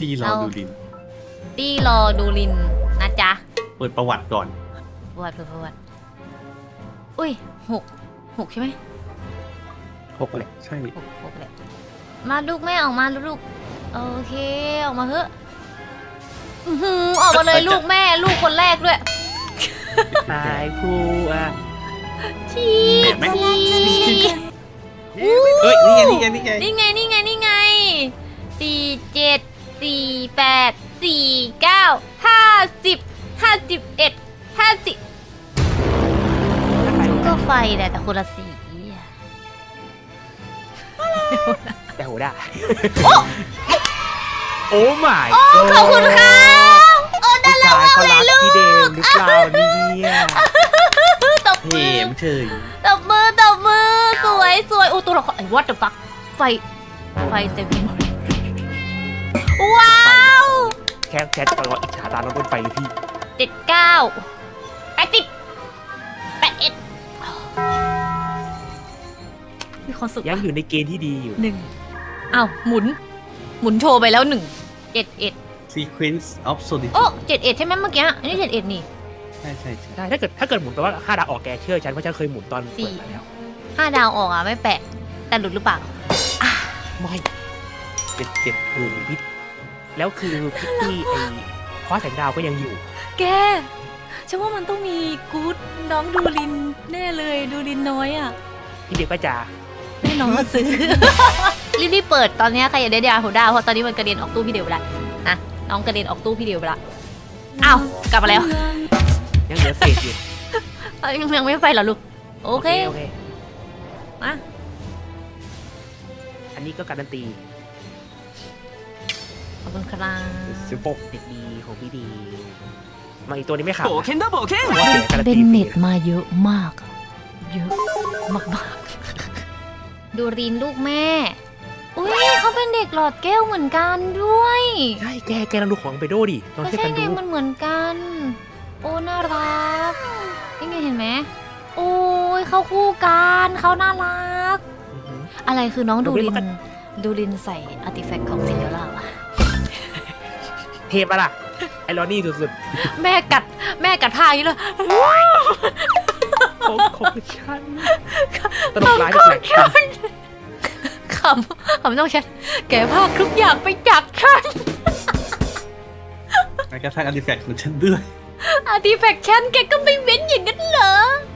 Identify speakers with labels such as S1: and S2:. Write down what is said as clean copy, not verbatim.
S1: พี่รอดูลิน
S2: ตี้รอดูลินนะจ๊ะ
S1: เปิดประวัติก่อน
S2: ประวัติอุ้ยหกใช่ไหม
S3: 6เลย
S1: ใช่
S2: หกเลยมาลูกแม่ออกมาลูกโอเคออกมาเถอะออกมาเลยลูกแม่ลูกคนแรกด้วย
S3: ตายผู้อ่ะ
S2: ชี
S1: เห็นไหม
S3: เฮ้ย
S1: นี่ไงนี่ไงนี่ไง
S2: นี่ไง47 48 49 50 51 50ก็ไฟแหละแต่คนละสีอะ
S3: แต่โหได้โอ้ my
S2: ขอบคุณค่ะโอ้น่ารักมากเลยลูก
S3: พี่เดมหรือเปล่าเนี่ย
S2: ตบ
S1: เพ
S2: มือ
S1: มเฉย
S2: ตบมือสวยโอ้ตัวละครไอ้ what the fuck ไฟเต็มไปหมดว้าว
S3: แค่ตลอดอิจฉาตาน้องบนไฟเลยพี่
S2: 79 80 81มีความสุข
S3: ยังอยู่ในเกณฑ์ที่ดีอยู่
S2: 1อ้าวหมุนโชว์ไปแล้ว1 71
S1: Sequence of
S2: โอ้
S1: Solitude
S2: 71ใช่ไหมเมื่อกี้อันนี้71นี่
S1: ใช่ใช่ใช่
S3: ได้ถ้าเกิดหมุนแปลว่า5 ดาวออกแกเชื่อฉันเพราะฉันเคยหมุนตอนเปิดมาแล้ว
S2: 5 ดาวออกอ่ะไม่แปลกแต่หลุดหรือเปล่า
S3: ไม่77หมุนพี่แล้วคือพิตตี้ไอ้คว้าแสงดาวก็ยังอยู่
S2: แกฉันว่ามันต้องมีกู๊ดน้องดูลินแน่เลยดูลินน้อยอ่ะ
S3: พี่เด็กก็จะ
S2: แน่น้องมาซื้อ รีบๆเปิดตอนนี้ใครอยากได้ดาวหัวดาวเพราะตอนนี้มันกระเด็นออกตู้พี่เดียวไปละนะน้องกระเด็นออกตู้พี่เดียวไปละอ้าวกลับมาแล้ว
S3: ยังเหลือเศษอยู่
S2: ยังไม่ไปเหรอลูกโอเค
S3: โอเค
S2: มา
S3: อันนี้ก็การันตี
S2: ขอบคุณครับ
S1: 16
S3: เด็กดีของพี่ดีมาอีกตัวนี้ไม่ขาด
S4: 冒険だ冒険
S3: เสียการัน
S2: เบ
S3: ตี
S2: น
S3: ฟ
S2: เน็
S3: รี
S2: ตมาเยอะมากอะเยอะมากๆดูรินลูกแม่ อุ้ยเขาเป็นเด็กหลอดแก้วเหมือนกันด้วย
S3: ใช่แกลองดูของไปโดดิลอง
S2: ก็
S3: ช่วย
S2: ใช่
S3: กัน
S2: ไง
S3: ดู
S2: มันเหมือนกัน โอ้น่ารักนี่ไงเห็นไหมโอ้ยเขาคู่กันเขาน่ารัก
S3: อือหือ
S2: อะไรคือน้องดูริ
S3: มัน
S2: น
S3: ก็
S2: ดูรินใส่อาร์ติแฟกต์ของซินเดอเรลล่าวะ
S3: เทปอะล่ะ ไอรอนี่สุด
S2: แม่กัดผ้าอย่างนี้เลย
S3: ๆของฉันตลกร้ายแปลก
S2: ขำต้องฉันแกภาคทุกอย่างไปจากฉัน
S1: แม้กระทั่งอาร์ติแฟกต์ของฉันด้วย
S2: อาร์ติแฟกต์ฉันแกก็ไม่เว้นอย่างนั้นเหรอ